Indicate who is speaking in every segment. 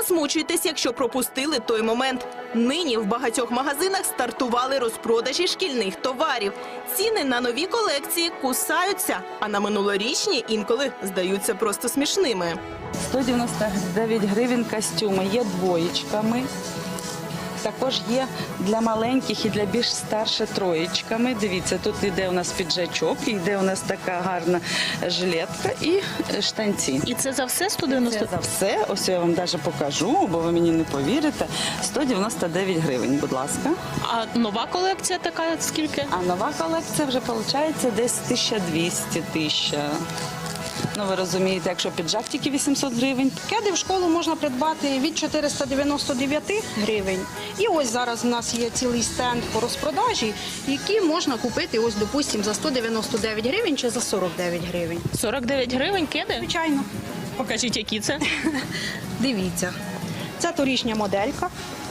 Speaker 1: засмучуйтесь, якщо пропустили той момент. Нині в багатьох магазинах стартували розпродажі шкільних товарів. Ціни на нові колекції кусаються, а на минулорічні інколи здаються просто смішними.
Speaker 2: 199 гривень костюми, є двоєчками. Також є для маленьких і для більш старших троєчками. Дивіться, тут йде у нас піджачок, йде у нас така гарна жилетка і штанці.
Speaker 3: І це за все 190?
Speaker 2: Це за все, ось я вам навіть покажу, бо ви мені не повірите. 199 гривень, будь ласка.
Speaker 3: А нова колекція така скільки?
Speaker 2: А нова колекція вже виходить десь 1200. Ну, ви розумієте, якщо піджак тільки 800 гривень.
Speaker 4: Кеди в школу можна придбати від 499 гривень. І ось зараз у нас є цілий стенд по розпродажі, які можна купити, ось, допустимо, за 199 гривень чи за 49 гривень.
Speaker 3: 49 гривень кеди?
Speaker 4: Звичайно.
Speaker 3: Покажіть, які це.
Speaker 4: Дивіться. Це торішня моделька.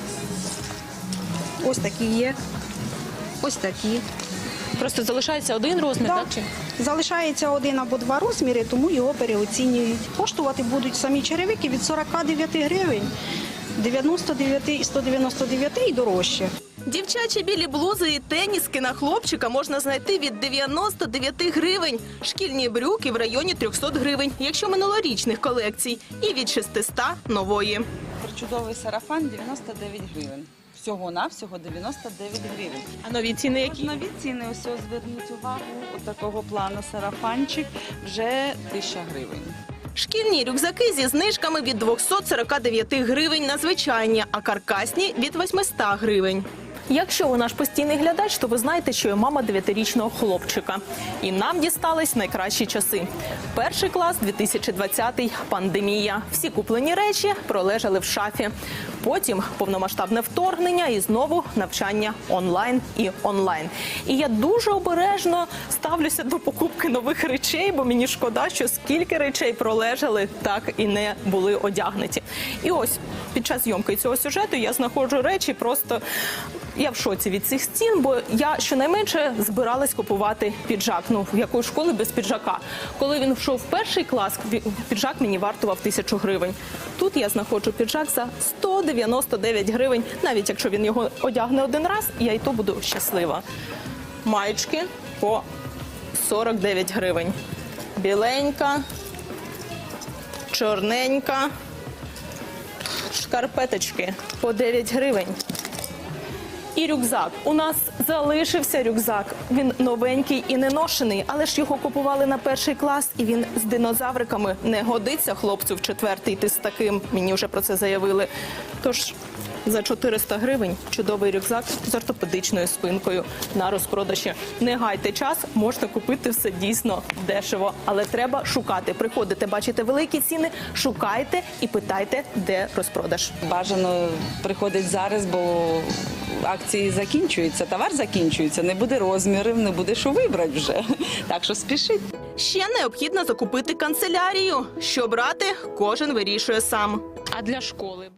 Speaker 4: Ось такі є. Ось такі.
Speaker 3: Просто залишається один розмір,
Speaker 4: Так.
Speaker 3: так? Чи?
Speaker 4: Залишається один або два розміри, тому його переоцінюють. Коштувати будуть самі черевики від 49 гривень, 99 і 199 і дорожче.
Speaker 1: Дівчачі білі блузи і теніски на хлопчика можна знайти від 99 гривень. Шкільні брюки в районі 300 гривень, якщо минулорічних колекцій. І від 600 нової.
Speaker 2: Чудовий сарафан 99 гривень. Всього-навсього 99 гривень.
Speaker 3: А нові ціни які?
Speaker 2: Нові ціни, ось зверніть увагу, такого плану сарафанчик вже 1000 гривень.
Speaker 1: Шкільні рюкзаки зі знижками від 249 гривень на звичайні, а каркасні – від 800 гривень. Якщо ви наш постійний глядач, то ви знаєте, що я мама 9-річного хлопчика. І нам дістались найкращі часи. Перший клас, 2020-й, пандемія. Всі куплені речі пролежали в шафі. Потім повномасштабне вторгнення і знову навчання онлайн і онлайн. І я дуже обережно ставлюся до покупки нових речей, бо мені шкода, що скільки речей пролежали, так і не були одягнуті. І ось під час зйомки цього сюжету я знаходжу речі просто... Я в шоці від цих стін, бо я щонайменше збиралась купувати піджак. Ну, в якої школи без піджака. Коли він йшов в перший клас, піджак мені вартував 1000 гривень. Тут я знаходжу піджак за 199 гривень. Навіть якщо він його одягне один раз, я і то буду щаслива. Маєчки по 49 гривень. Біленька, чорненька, шкарпеточки по 9 гривень. І рюкзак. У нас залишився рюкзак. Він новенький і не ношений, але ж його купували на перший клас, і він з динозавриками. Не годиться хлопцю в 4-й йти з таким. Мені вже про це заявили. Тож за 400 гривень чудовий рюкзак з ортопедичною спинкою на розпродажі. Не гайте час, можна купити все дійсно дешево. Але треба шукати. Приходите, бачите великі ціни, шукайте і питайте, де розпродаж.
Speaker 2: Бажано приходить зараз, бо акції закінчуються, товар закінчується, не буде розмірів, не буде що вибрати вже. Так що спішіть.
Speaker 1: Ще необхідно закупити канцелярію. Що брати, кожен вирішує сам.
Speaker 3: А для школи?